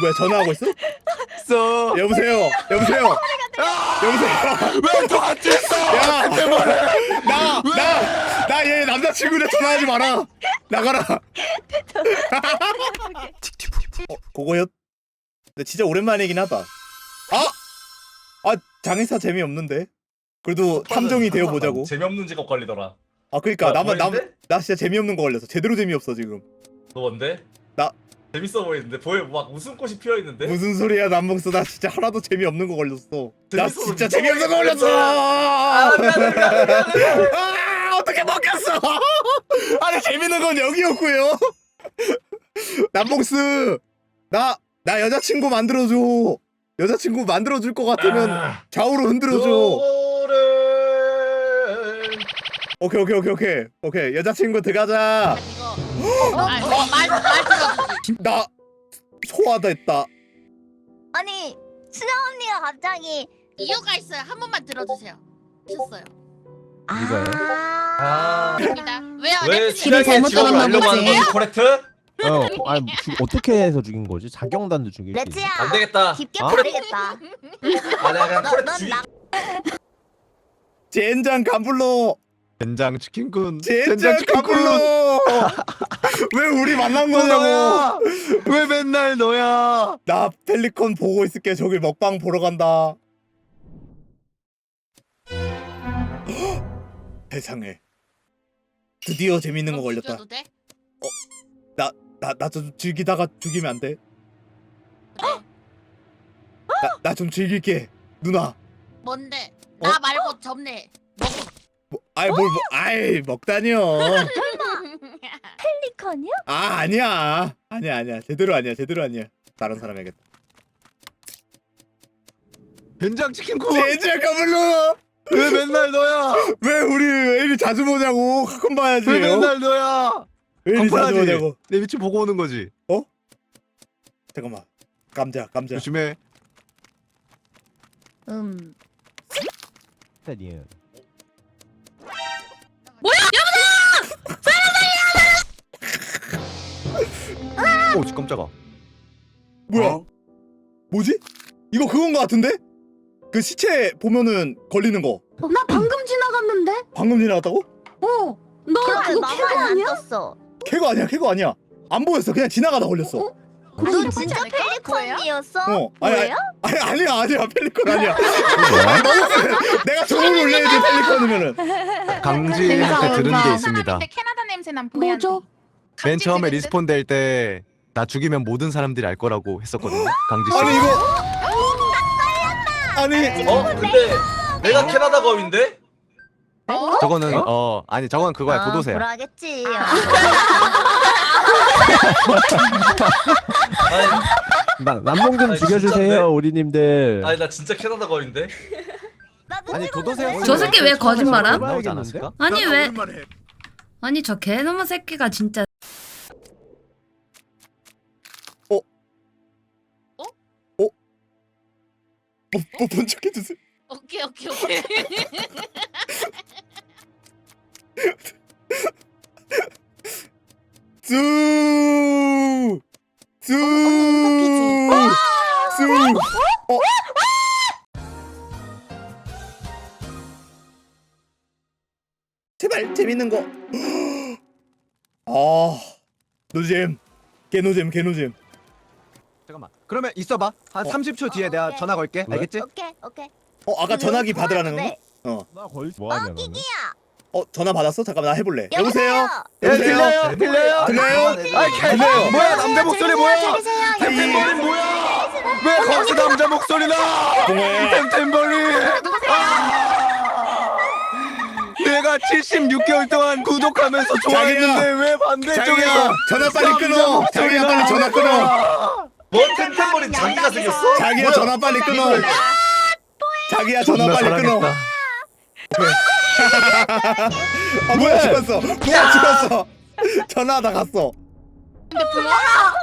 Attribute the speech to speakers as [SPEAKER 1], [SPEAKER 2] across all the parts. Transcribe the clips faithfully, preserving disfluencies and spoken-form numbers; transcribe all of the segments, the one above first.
[SPEAKER 1] 뭐야 전화하고 있어?
[SPEAKER 2] 있어.
[SPEAKER 1] 여보세요. 여보세요. 여보세요.
[SPEAKER 2] 왜 저한테 있어?
[SPEAKER 1] 야, 나, 나, 나 얘 남자친구네 전화하지 마라. 나가라. 어, 그거요? 근데 진짜 오랜만이긴 하다. 아, 아 장의사 재미 없는데. 그래도 탐정이 되어 보자고.
[SPEAKER 3] 재미없는 직업 걸리더라.
[SPEAKER 1] 아, 그러니까
[SPEAKER 3] 아,
[SPEAKER 1] 나만 나,
[SPEAKER 3] 보이는데?
[SPEAKER 1] 나 진짜 재미없는 거 걸렸어. 제대로 재미없어 지금.
[SPEAKER 3] 너 뭔데?
[SPEAKER 1] 나-
[SPEAKER 3] 재밌어 보이는데 보여 막 웃음꽃이 피어 있는데.
[SPEAKER 1] 무슨 소리야 남봉수. 나 진짜 하나도 재미없는 거 걸렸어. 나
[SPEAKER 3] 재밌어서
[SPEAKER 1] 진짜
[SPEAKER 3] 미쳐버리겠어.
[SPEAKER 1] 재미없는 거 걸렸어.
[SPEAKER 3] 아, 미안해, 미안해, 미안해.
[SPEAKER 1] 아, 어떻게 먹혔어? 아니 재밌는 건 여기였고요. 남봉스, 나 나 여자친구 만들어줘. 여자친구 만들어줄 것 같으면
[SPEAKER 3] 아,
[SPEAKER 1] 좌우로 흔들어줘.
[SPEAKER 3] 너를
[SPEAKER 1] 오케이 오케이 오케이 오케이 오케이. 여자친구 들어가자.
[SPEAKER 4] 이거 말말 들어주지.
[SPEAKER 1] 나 소화됐다.
[SPEAKER 5] 아니 수정 언니가 갑자기
[SPEAKER 4] 이유가 있어요. 한 번만 들어주세요. 하셨어요.
[SPEAKER 2] 이거요?
[SPEAKER 3] 아,
[SPEAKER 4] 입니다. 왜요?
[SPEAKER 3] 왜
[SPEAKER 4] 랩
[SPEAKER 5] 길을
[SPEAKER 3] 수량의
[SPEAKER 5] 잘못
[SPEAKER 3] 직업을
[SPEAKER 5] 들었나
[SPEAKER 3] 알려고 하는
[SPEAKER 5] 보지?
[SPEAKER 3] 거지? 코렉트?
[SPEAKER 2] 어, 아니 주, 어떻게 해서 죽인 거지? 자경단도 죽이고.
[SPEAKER 5] 레츠야
[SPEAKER 3] 안 되겠다.
[SPEAKER 5] 깊게
[SPEAKER 2] 아?
[SPEAKER 5] 버리겠다.
[SPEAKER 3] 아, 내가 그냥 코렉트 죽이.
[SPEAKER 5] 넌나
[SPEAKER 1] 젠장 간불러.
[SPEAKER 2] 젠장 치킨군.
[SPEAKER 1] 젠장 간불러. 왜 우리 만난 거냐고.
[SPEAKER 2] 너야. 왜 맨날 너야?
[SPEAKER 1] 나 펠리컨 보고 있을게. 저기 먹방 보러 간다. 세상에. 드디어 재밌는 거 걸렸다.
[SPEAKER 4] 죽여도 돼?
[SPEAKER 1] 나 나 좀 즐기다가 죽이면 안 돼?
[SPEAKER 4] 그래.
[SPEAKER 1] 나 좀 즐길게. 누나.
[SPEAKER 4] 뭔데?
[SPEAKER 1] 어?
[SPEAKER 4] 나 말고 접네. 먹어.
[SPEAKER 1] 뭐, 아이 뭘 뭐, 아이 먹다니요.
[SPEAKER 5] 펠리컨이야?
[SPEAKER 1] 아 아니야. 아니야 아니야. 제대로 아니야. 제대로 아니야. 다른 사람 해야겠다.
[SPEAKER 2] 젠장 치킨군.
[SPEAKER 1] 젠장 간불러.
[SPEAKER 2] 왜 맨날 너야?
[SPEAKER 1] 왜 우리 왜 이리 자주 보냐고. 가끔 봐야지.
[SPEAKER 2] 왜
[SPEAKER 1] 어?
[SPEAKER 2] 맨날 너야?
[SPEAKER 1] 왜 이리 자주
[SPEAKER 2] 간판하지?
[SPEAKER 1] 보냐고.
[SPEAKER 2] 내 위치 보고 오는 거지.
[SPEAKER 1] 잠깐만. 감자 감자.
[SPEAKER 2] 조심해.
[SPEAKER 5] 음.
[SPEAKER 2] 아니에요.
[SPEAKER 4] 뭐야?
[SPEAKER 2] 오, 지 깜짝아.
[SPEAKER 1] 뭐야?
[SPEAKER 2] 어?
[SPEAKER 1] 뭐지? 이거 그건 거 같은데? 그 시체 보면은 걸리는 거.
[SPEAKER 6] 나 방금 지나갔는데?
[SPEAKER 1] 방금 지나갔다고?
[SPEAKER 6] 어. 너
[SPEAKER 5] 그럼
[SPEAKER 6] 그거
[SPEAKER 5] 나만
[SPEAKER 6] 캐거
[SPEAKER 5] 안
[SPEAKER 6] 아니야?
[SPEAKER 5] 떴어.
[SPEAKER 1] 캐거 아니야. 캐거 아니야. 안 보였어. 그냥 지나가다 걸렸어.
[SPEAKER 6] 어?
[SPEAKER 5] 너 진짜 펠리컨이었어?
[SPEAKER 1] 어. 아니,
[SPEAKER 5] 뭐예요?
[SPEAKER 1] 아니 아니야 아니야. 펠리컨 아니야.
[SPEAKER 2] 뭐야?
[SPEAKER 1] 너무 세. 내가 종을 올려야지 펠리컨이면은.
[SPEAKER 2] 강지한테 들은 게
[SPEAKER 6] 감사.
[SPEAKER 2] 있습니다.
[SPEAKER 7] 캐나다 냄새 난 보야.
[SPEAKER 6] 뭐죠?
[SPEAKER 2] 맨 처음에 리스폰 될 때 나 죽이면 모든 사람들이 알 거라고 했었거든요. 강지 씨.
[SPEAKER 1] 아니 이거. 아니
[SPEAKER 3] 어? 근데 내가 캐나다 검인데?
[SPEAKER 2] 저거는 어? 아니 저건 그거야. 도도새야.
[SPEAKER 5] 불하겠지.
[SPEAKER 3] 아니,
[SPEAKER 8] 나 남봉 좀
[SPEAKER 3] 아니,
[SPEAKER 8] 죽여주세요
[SPEAKER 3] 진짠데?
[SPEAKER 8] 우리님들.
[SPEAKER 3] 아니 나 진짜 캐나다 검인데?
[SPEAKER 5] 나도
[SPEAKER 2] 아니
[SPEAKER 5] 찍었는데.
[SPEAKER 2] 도도새.
[SPEAKER 9] 저 새끼 왜 거짓말함?
[SPEAKER 2] 나오지 않았을까?
[SPEAKER 9] 아니 왜
[SPEAKER 1] 오랜만에.
[SPEAKER 9] 아니 저 개놈의 새끼가 진짜
[SPEAKER 1] 뭐 본척 해주세요.
[SPEAKER 4] 오케이 오케이 오케이.
[SPEAKER 1] 쑥. 쑥. 쑥. 어. 제발 재밌는 거. 아, 노잼. 개노잼 개노잼.
[SPEAKER 2] 잠깐만. 그러면 있어봐. 한
[SPEAKER 1] 어.
[SPEAKER 2] 삼십 초 뒤에 내가
[SPEAKER 5] 오케이.
[SPEAKER 2] 전화 걸게.
[SPEAKER 8] 왜?
[SPEAKER 2] 알겠지?
[SPEAKER 5] 오케이 오케이.
[SPEAKER 1] 어 아까 전화기 받으라는 거?
[SPEAKER 5] 네.
[SPEAKER 1] 어.
[SPEAKER 8] 나 거의 뭐
[SPEAKER 5] 어
[SPEAKER 8] 하냐 너는?
[SPEAKER 5] 기기야.
[SPEAKER 1] 어 전화 받았어? 잠깐만 나 해볼래.
[SPEAKER 5] 여보세요.
[SPEAKER 2] 예,
[SPEAKER 1] 여보세요?
[SPEAKER 2] 들려요. 들려요.
[SPEAKER 1] 들려요?
[SPEAKER 2] 아이 개.
[SPEAKER 1] 들려요.
[SPEAKER 2] 뭐야 남자 목소리 뭐야?
[SPEAKER 5] 들리세요?
[SPEAKER 2] 템템버린 뭐야? 왜 거기서 남자 목소리 나?
[SPEAKER 1] 동호야.
[SPEAKER 2] 템템버린. 아! 내가 칠십육 개월 동안 구독하면서 좋아했는데 왜 반대쪽에서
[SPEAKER 1] 자기야 전화 빨리 끊어. 자기야 빨리 전화 끊어.
[SPEAKER 3] 뭐 템템버린 장기가 생겼어?
[SPEAKER 1] 자기야
[SPEAKER 3] 뭐야?
[SPEAKER 1] 전화 빨리 끊어. 자기야 전화
[SPEAKER 2] 존나
[SPEAKER 1] 빨리 끊어.
[SPEAKER 2] 사랑했다.
[SPEAKER 1] 아 뭐야 죽었어. 뭐야 죽었어. 전화하다 갔어.
[SPEAKER 4] 근데 불러?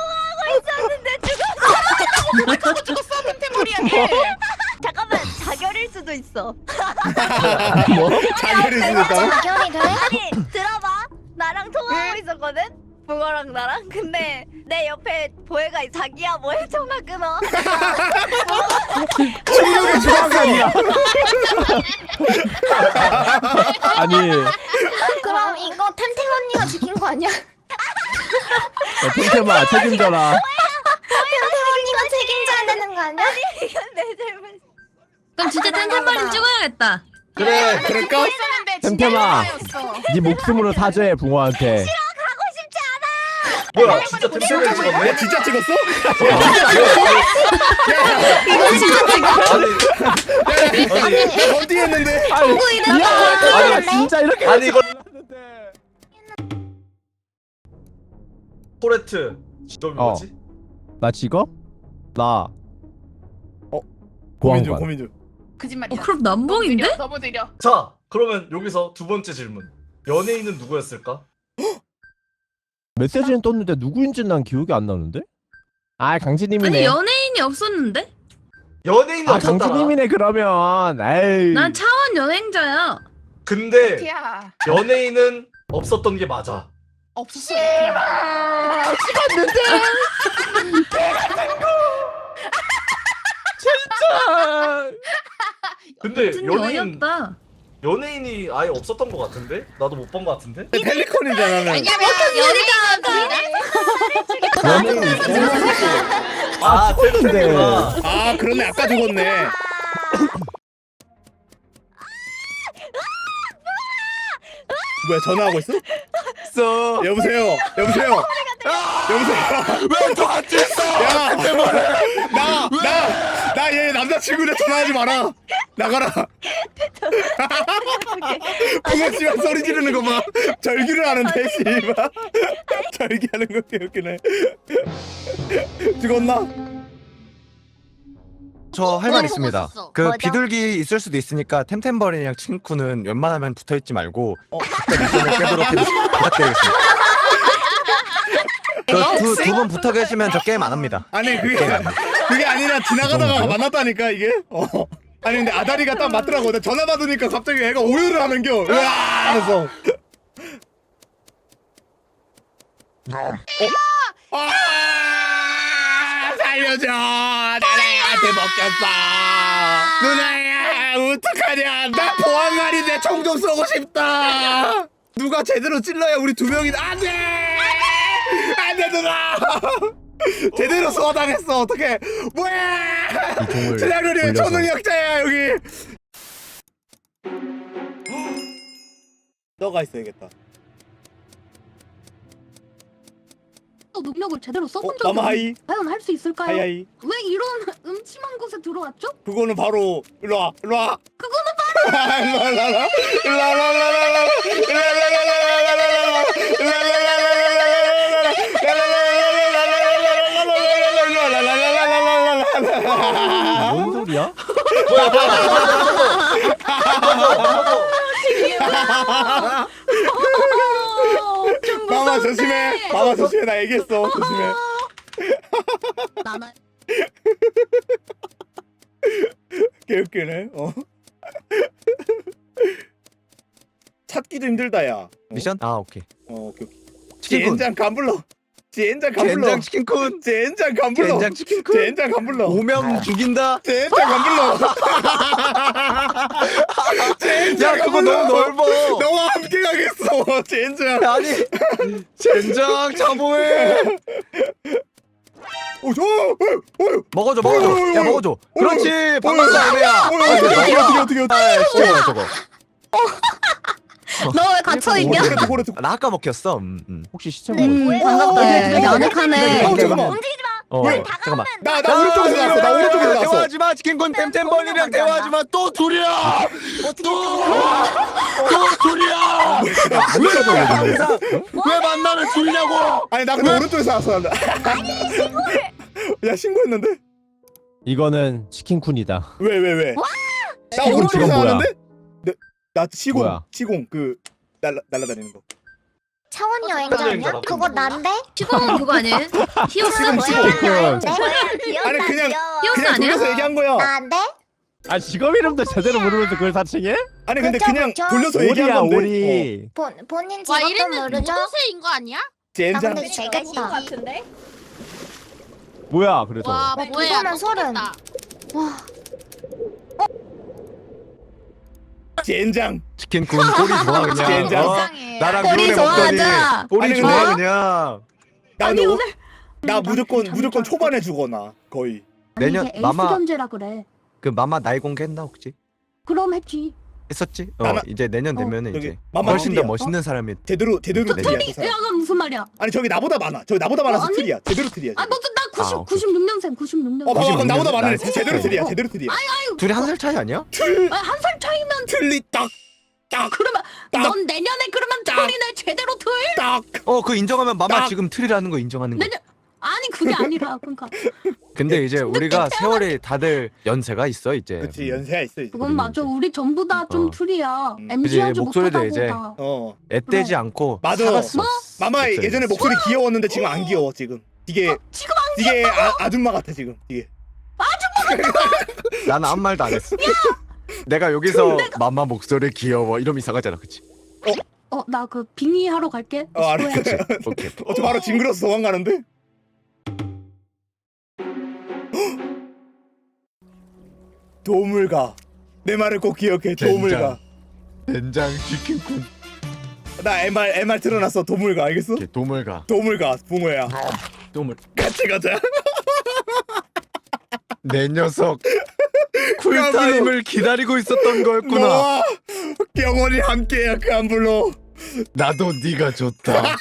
[SPEAKER 7] 죽었어 템템머리한테.
[SPEAKER 5] 잠깐만 자결일 수도 있어.
[SPEAKER 1] 뭐? 자결이 있으니까.
[SPEAKER 5] 자결이 돼? 아니 들어봐. 나랑 통화하고 있었거든. 붕어랑 나랑. 근데 내 옆에 보혜가 자기야 뭐해 전화 끊어.
[SPEAKER 1] 충격에 죽었어.
[SPEAKER 8] 아니
[SPEAKER 6] 그럼 이거 템템 언니가 지킨 거 아니야?
[SPEAKER 8] 야, 템템아 책임져라.
[SPEAKER 6] 템템 언니가 책임져야 되는 거 아니야?
[SPEAKER 5] 이건 내 잘못.
[SPEAKER 9] 그럼 진짜 템템버린 찍어야겠다.
[SPEAKER 1] 그래 그럴까?
[SPEAKER 7] 있었는데
[SPEAKER 8] 템템아.
[SPEAKER 7] 진짜
[SPEAKER 8] 네 목숨으로 사죄해 붕어한테.
[SPEAKER 5] 가고 싶지 않아.
[SPEAKER 3] 뭐야 진짜 템템을 찍었네?
[SPEAKER 1] 야 진짜 찍었어?
[SPEAKER 9] 이거 진짜 찍어.
[SPEAKER 3] 아니 아니
[SPEAKER 1] 야 건딩했는데.
[SPEAKER 8] 아니 야, 아니 진짜 이렇게
[SPEAKER 3] 아니 이거
[SPEAKER 8] 했는데.
[SPEAKER 3] 코레트 직업이
[SPEAKER 8] 어.
[SPEAKER 3] 뭐지?
[SPEAKER 8] 나 직업? 나
[SPEAKER 1] 어? 고민 중
[SPEAKER 8] 보안관.
[SPEAKER 1] 고민 중.
[SPEAKER 7] 거짓말이야.
[SPEAKER 9] 어, 그럼 남봉인데?
[SPEAKER 7] 너무 느려.
[SPEAKER 3] 자 그러면 여기서 두 번째 질문 연예인은 누구였을까?
[SPEAKER 8] 메시지는 떴는데 누구인지 난 기억이 안 나는데? 아 강진님이네.
[SPEAKER 9] 아니 연예인이 없었는데?
[SPEAKER 3] 연예인은
[SPEAKER 8] 아
[SPEAKER 3] 없었잖아.
[SPEAKER 8] 강진님이네 그러면. 에이.
[SPEAKER 9] 난 차원 여행자야.
[SPEAKER 3] 근데
[SPEAKER 7] 티야
[SPEAKER 3] 연예인은 없었던 게 맞아.
[SPEAKER 7] 없었어. 티야.
[SPEAKER 8] 진짜.
[SPEAKER 3] 근데
[SPEAKER 9] 같은
[SPEAKER 3] 연예인
[SPEAKER 9] 여였다.
[SPEAKER 3] 연예인이 아예 없었던 것 같은데? 나도 못 본 것 같은데?
[SPEAKER 1] 펠리컨이잖아.
[SPEAKER 4] 왜냐면 연예가
[SPEAKER 8] 연예인
[SPEAKER 3] 아
[SPEAKER 8] 죽었는데.
[SPEAKER 3] 텔레비구나.
[SPEAKER 1] 아 그러네 아까 죽었네. 뭐야 전화하고 있어?
[SPEAKER 2] 있어.
[SPEAKER 1] 여보세요. 여보세요. 여보세요.
[SPEAKER 2] 왜 저한테 있어?
[SPEAKER 1] 야, 나, 나, 나 얘 남자친구네 전화하지 마라. 나가라. 붕어 씨발 소리 지르는 거 봐. 절규를 하는데 씨발. 절규하는 거 개웃기네. 죽었나?
[SPEAKER 2] 저 할 말
[SPEAKER 4] 어,
[SPEAKER 2] 있습니다.
[SPEAKER 4] 먹었었어.
[SPEAKER 2] 그
[SPEAKER 5] 뭐죠?
[SPEAKER 2] 비둘기 있을 수도 있으니까 템템버린이랑 친구는 웬만하면 붙어 있지 말고
[SPEAKER 1] 어.
[SPEAKER 2] 미션을 깨도록 해주- 부탁드리겠습니다. 그두두 분 붙어 계시면 저 게임 안 합니다.
[SPEAKER 1] 아니 그게 그게 아니라 지나가다가 만났다니까 이게. 어. 아니 근데 아다리가 딱 맞더라고. 나 전화 받으니까 갑자기 애가 오열을 하는겨. 으아 하면서. 어? 아 살려줘. 나라한테 먹혔어. 누나야 어떡하냐. 나 보안관인데 총 좀 쏘고 싶다. 누가 제대로 찔러야 우리 두 명이 안돼. 안돼 누나. 제대로 소화당했어. 어떡해. 뭐야.
[SPEAKER 2] 이 종을
[SPEAKER 1] 최장렬이
[SPEAKER 2] 돌려서.
[SPEAKER 1] 초능력자야 여기. 너가 있어야겠다.
[SPEAKER 6] 또 능력을 제대로 써본
[SPEAKER 1] 어,
[SPEAKER 6] 적이
[SPEAKER 1] 마마 하이.
[SPEAKER 6] 없는데 과연 할 수 있을까요?
[SPEAKER 1] 하이하이.
[SPEAKER 6] 왜 이런 음침한 곳에 들어왔죠?
[SPEAKER 1] 그거는 바로 일로 와. 일로 와. 그거는 바로 일로 와. 일로 와. 일로 와. 일로 와. 일로 와.
[SPEAKER 8] 뭔 소리야?
[SPEAKER 3] 뭐야 뭐야
[SPEAKER 6] 좀
[SPEAKER 1] 마마
[SPEAKER 6] 무서운데.
[SPEAKER 1] 조심해. 마마 조심해. 나 얘기했어. 조심해.
[SPEAKER 6] 나나
[SPEAKER 1] 개웃기네. 어. 찾기도 힘들다 야. 어?
[SPEAKER 2] 미션? 아 오케이.
[SPEAKER 1] 어, 오케이 오케이.
[SPEAKER 2] 치킨군.
[SPEAKER 1] 젠장 간불러. 젠장 간불러.
[SPEAKER 2] 젠장 치킨군.
[SPEAKER 1] 젠장 간불러.
[SPEAKER 2] 젠장 치킨군.
[SPEAKER 1] 젠장 간불러.
[SPEAKER 2] 오면 죽인다.
[SPEAKER 1] 젠장 간불러.
[SPEAKER 2] 야 그거 너무 넓어.
[SPEAKER 1] 너와 함께 가겠어. 젠장.
[SPEAKER 2] 아니 젠장 자보해.
[SPEAKER 1] 오, 저, 어, 어,
[SPEAKER 2] 먹어줘 먹어줘. 야 먹어줘. 그렇지. 방금도 애매야.
[SPEAKER 1] 어, 어떻게 어떻게 어떻게 어떻게.
[SPEAKER 2] 아 진짜 저거.
[SPEAKER 6] 너 왜 갇혀있냐?
[SPEAKER 1] 고래트 고래트.
[SPEAKER 2] 나 아까 먹혔어. 음, 음.
[SPEAKER 8] 혹시 시청
[SPEAKER 6] 음
[SPEAKER 8] 뭐?
[SPEAKER 6] 반갑다.
[SPEAKER 1] 어,
[SPEAKER 6] 야늑하네.
[SPEAKER 1] 어, 잠깐만.
[SPEAKER 5] 움직이지 마.
[SPEAKER 2] 어
[SPEAKER 1] 왜?
[SPEAKER 2] 잠깐만.
[SPEAKER 1] 나 나 오른쪽에서 나왔어. 나 오른쪽에서 나왔어.
[SPEAKER 2] 대화하지 마. 치킨군 템템버린이랑 대화하지 마. 또 둘이야. 또. 또 둘이야. 왜 항상 왜 만나면 둘냐고.
[SPEAKER 1] 아니 나 근데 오른쪽에서 나왔어. 나. 야 신고했는데?
[SPEAKER 8] 이거는 치킨쿤이다.
[SPEAKER 1] 왜 왜 왜? 나
[SPEAKER 8] 시공
[SPEAKER 1] 오른쪽에서
[SPEAKER 8] 저건 뭐야?
[SPEAKER 1] 나왔는데? 나, 나 시공
[SPEAKER 8] 뭐야?
[SPEAKER 1] 시공 그 날라 날라다니는 거.
[SPEAKER 5] 차원
[SPEAKER 3] 여행자
[SPEAKER 5] 여행자냐?
[SPEAKER 3] 아니야?
[SPEAKER 5] 그거 난데?
[SPEAKER 9] 시공은 그거 아니에요? 히오스?
[SPEAKER 1] 지금 지금. 아니, 그냥-
[SPEAKER 9] 히오스
[SPEAKER 1] 그냥
[SPEAKER 9] 아니야?
[SPEAKER 1] 돌려서 얘기한 거야.
[SPEAKER 5] 난데?
[SPEAKER 8] 아 직업 이름도 제대로 모르면서 그걸 사칭해?
[SPEAKER 1] 아니 근데
[SPEAKER 5] 그쵸,
[SPEAKER 1] 그냥
[SPEAKER 5] 그쵸.
[SPEAKER 1] 돌려서 얘기한
[SPEAKER 8] 오리야
[SPEAKER 1] 건데. 어.
[SPEAKER 8] 오리.
[SPEAKER 5] 본 본인
[SPEAKER 4] 와
[SPEAKER 5] 직업도
[SPEAKER 4] 이랬는
[SPEAKER 5] 모르죠?
[SPEAKER 4] 무도새인 거 아니야?
[SPEAKER 1] 젠장.
[SPEAKER 6] 근데
[SPEAKER 5] 제가
[SPEAKER 6] 죽겠다.
[SPEAKER 5] 같은데?
[SPEAKER 8] 뭐야 그래서
[SPEAKER 4] 와
[SPEAKER 6] 네,
[SPEAKER 4] 뭐야
[SPEAKER 6] 그거는 서른.
[SPEAKER 4] 다
[SPEAKER 6] 와.
[SPEAKER 1] 젠장.
[SPEAKER 2] 치킨군 꼬리 좋아 그냥.
[SPEAKER 1] 젠장.
[SPEAKER 2] 어?
[SPEAKER 4] 이상해.
[SPEAKER 2] 나랑
[SPEAKER 9] 꼬리
[SPEAKER 2] 그런 애 먹더니
[SPEAKER 9] 좋아하자.
[SPEAKER 2] 꼬리
[SPEAKER 1] 아니,
[SPEAKER 2] 좋아
[SPEAKER 1] 근데-
[SPEAKER 2] 그냥.
[SPEAKER 1] 나
[SPEAKER 9] 아니,
[SPEAKER 1] 근데 오-
[SPEAKER 9] 오늘-
[SPEAKER 1] 나 무조건
[SPEAKER 6] 잠
[SPEAKER 1] 무조건
[SPEAKER 6] 자.
[SPEAKER 1] 초반에 죽어나 거의.
[SPEAKER 2] 내년
[SPEAKER 6] 이게 에이스
[SPEAKER 2] 마마
[SPEAKER 6] 견제라 그래.
[SPEAKER 2] 그 마마 나이 공개했나 혹시?
[SPEAKER 6] 그럼 했지.
[SPEAKER 2] 했었지? 어
[SPEAKER 1] 나나-
[SPEAKER 2] 이제 내년
[SPEAKER 6] 어,
[SPEAKER 2] 되면은
[SPEAKER 1] 저기
[SPEAKER 2] 이제
[SPEAKER 1] 마마
[SPEAKER 2] 훨씬 더
[SPEAKER 1] 어디야?
[SPEAKER 2] 멋있는 사람이.
[SPEAKER 1] 제대로 제대로
[SPEAKER 2] 저
[SPEAKER 1] 틀이야.
[SPEAKER 9] 틀이
[SPEAKER 1] 저 사람.
[SPEAKER 9] 야가 무슨 말이야?
[SPEAKER 1] 아니 저기 나보다 많아. 저기 나보다 많아서
[SPEAKER 9] 어, 아니?
[SPEAKER 1] 틀이야. 제대로 틀이야.
[SPEAKER 9] 아,
[SPEAKER 1] 저기.
[SPEAKER 9] 너도 나
[SPEAKER 2] 아,
[SPEAKER 9] 구십
[SPEAKER 2] 오케이.
[SPEAKER 9] 구십육 년생 구십육 년생.
[SPEAKER 1] 어 봐봐
[SPEAKER 2] 구십육
[SPEAKER 1] 나보다 많아.
[SPEAKER 2] 날
[SPEAKER 1] 제대로 틀이야. 제대로 틀이야.
[SPEAKER 2] 둘이 한 살 차이 아니야?
[SPEAKER 1] 틀
[SPEAKER 9] 한 살 차이면
[SPEAKER 1] 틀리 딱 딱.
[SPEAKER 9] 그러면
[SPEAKER 1] 딱.
[SPEAKER 9] 넌 내년에 그러면
[SPEAKER 1] 딱.
[SPEAKER 9] 틀이네 제대로 틀.
[SPEAKER 1] 딱.
[SPEAKER 2] 어 그 인정하면 마마
[SPEAKER 1] 딱.
[SPEAKER 2] 지금 틀이라는 거 인정하는 거.
[SPEAKER 9] 내년 아니 그게 아니라 그러니까
[SPEAKER 2] 근데 이제 우리가 세월이 다들 연세가 있어 이제.
[SPEAKER 1] 그렇지 연세가 있어 이제.
[SPEAKER 9] 그건 맞아. 우리 전부 다 좀
[SPEAKER 2] 어.
[SPEAKER 9] 틀이야.
[SPEAKER 1] 음.
[SPEAKER 9] 엠지 하지
[SPEAKER 2] 그치, 목소리도
[SPEAKER 9] 못하다고
[SPEAKER 2] 이제-
[SPEAKER 9] 다.
[SPEAKER 1] 어.
[SPEAKER 2] 애떼지 않고
[SPEAKER 1] 맞아.
[SPEAKER 2] 살았어.
[SPEAKER 9] 뭐?
[SPEAKER 1] 마마
[SPEAKER 2] 목소리.
[SPEAKER 1] 예전에 목소리 귀여웠는데 지금 안 귀여워 지금. 이게
[SPEAKER 9] 지금
[SPEAKER 1] 이게 아, 아줌마 같아 지금 이게.
[SPEAKER 2] 나는 아무 말도 안 했어. 내가 여기서 마마 목소리 귀여워 이러면 이상하잖아, 그치?
[SPEAKER 9] 어 나 그 빙의 하러 갈게.
[SPEAKER 1] 어 알았어.
[SPEAKER 9] 수고해.
[SPEAKER 2] 오케이.
[SPEAKER 1] 어, 저 바로 징그러서 도망가는데? 도움을 가. 내 말을 꼭 기억해. 도움을
[SPEAKER 2] 젠장.
[SPEAKER 1] 가.
[SPEAKER 2] 된장 치킨군.
[SPEAKER 1] 나 엠알 엠알 틀어놨어. 도움을 가. 알겠어?
[SPEAKER 2] 오케이, 도물 가.
[SPEAKER 1] 도움을 가. 붕어야.
[SPEAKER 2] 도물.
[SPEAKER 1] 같이 가자.
[SPEAKER 2] 내 녀석. 쿨타임을 기다리고 있었던 거였구나.
[SPEAKER 1] 너와 영원히 함께야. 그 안 불러.
[SPEAKER 2] 나도 네가 좋다.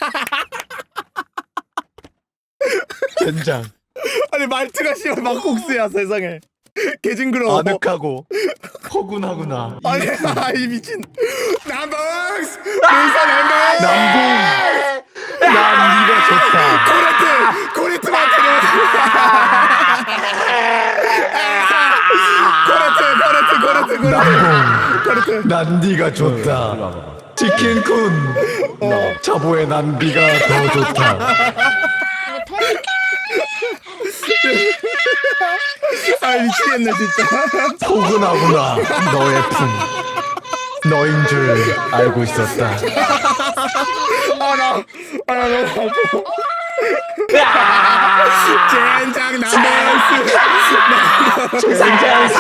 [SPEAKER 2] 된장.
[SPEAKER 1] 아니 말투가 씨발 막국수야 세상에. 개 징그러워.
[SPEAKER 2] 아늑하고 허군하구나.
[SPEAKER 1] 아니 이 미친. 남봉스. 일산 엠베.
[SPEAKER 2] 남봉. 난 네가 좋다.
[SPEAKER 1] 코레트 코레트 마테리얼 코레트 코레트 코레트
[SPEAKER 2] 남봉.
[SPEAKER 1] 코레트
[SPEAKER 2] 난 네가 좋다.
[SPEAKER 8] 이리 와봐봐.
[SPEAKER 2] 치킨군.
[SPEAKER 1] 어.
[SPEAKER 2] 자보의 난비가 더 좋다.
[SPEAKER 1] 아 미치겠네 진짜.
[SPEAKER 2] 포근하구나. 너의 품. 너인 줄 알고 있었다.
[SPEAKER 1] 아나 아나 너무 아파. 젠장 남봉스.
[SPEAKER 2] 젠장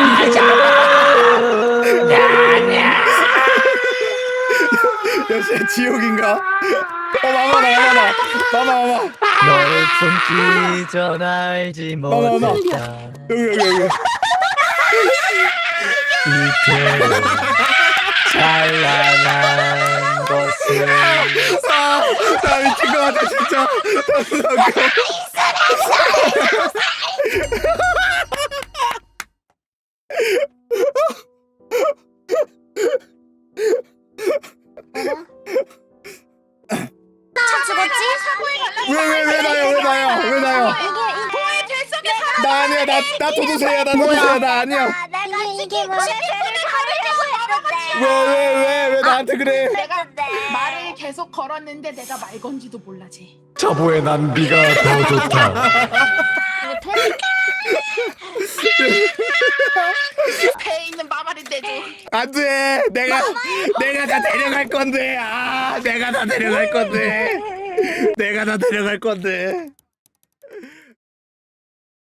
[SPEAKER 1] 역시 지옥인가? 어 마마 나 마마 나 마마 마마
[SPEAKER 2] 너의 품기 전 알지
[SPEAKER 1] 마마 마마
[SPEAKER 2] 못했다.
[SPEAKER 1] 여기 여기 여기.
[SPEAKER 2] 이태로 찬란한 것을
[SPEAKER 1] 아, 나 미친 것 같아 진짜. 너무 웃겨.
[SPEAKER 6] 차 죽었지?
[SPEAKER 1] 왜 왜 왜 나요 왜 나요 왜 나요? 나 아니야 나 나 도도새야 나 도도새야 나 아니야.
[SPEAKER 5] 아, 내가
[SPEAKER 6] 이게- 이게
[SPEAKER 5] 치킨
[SPEAKER 6] 뭐야?
[SPEAKER 5] 고래를 가르려고 했는데.
[SPEAKER 1] 왜 왜 왜 왜 나한테 그래?
[SPEAKER 7] 내가
[SPEAKER 5] 근데
[SPEAKER 7] 말을 계속 걸었는데 내가 말 건지도 몰라지.
[SPEAKER 2] 자보의 난비가 더 좋다.
[SPEAKER 7] 배에 있는 마말인데도.
[SPEAKER 1] 안돼 내가 내가 다 데려갈 건데 아 내가 다 데려갈 건데 내가 다 데려갈 건데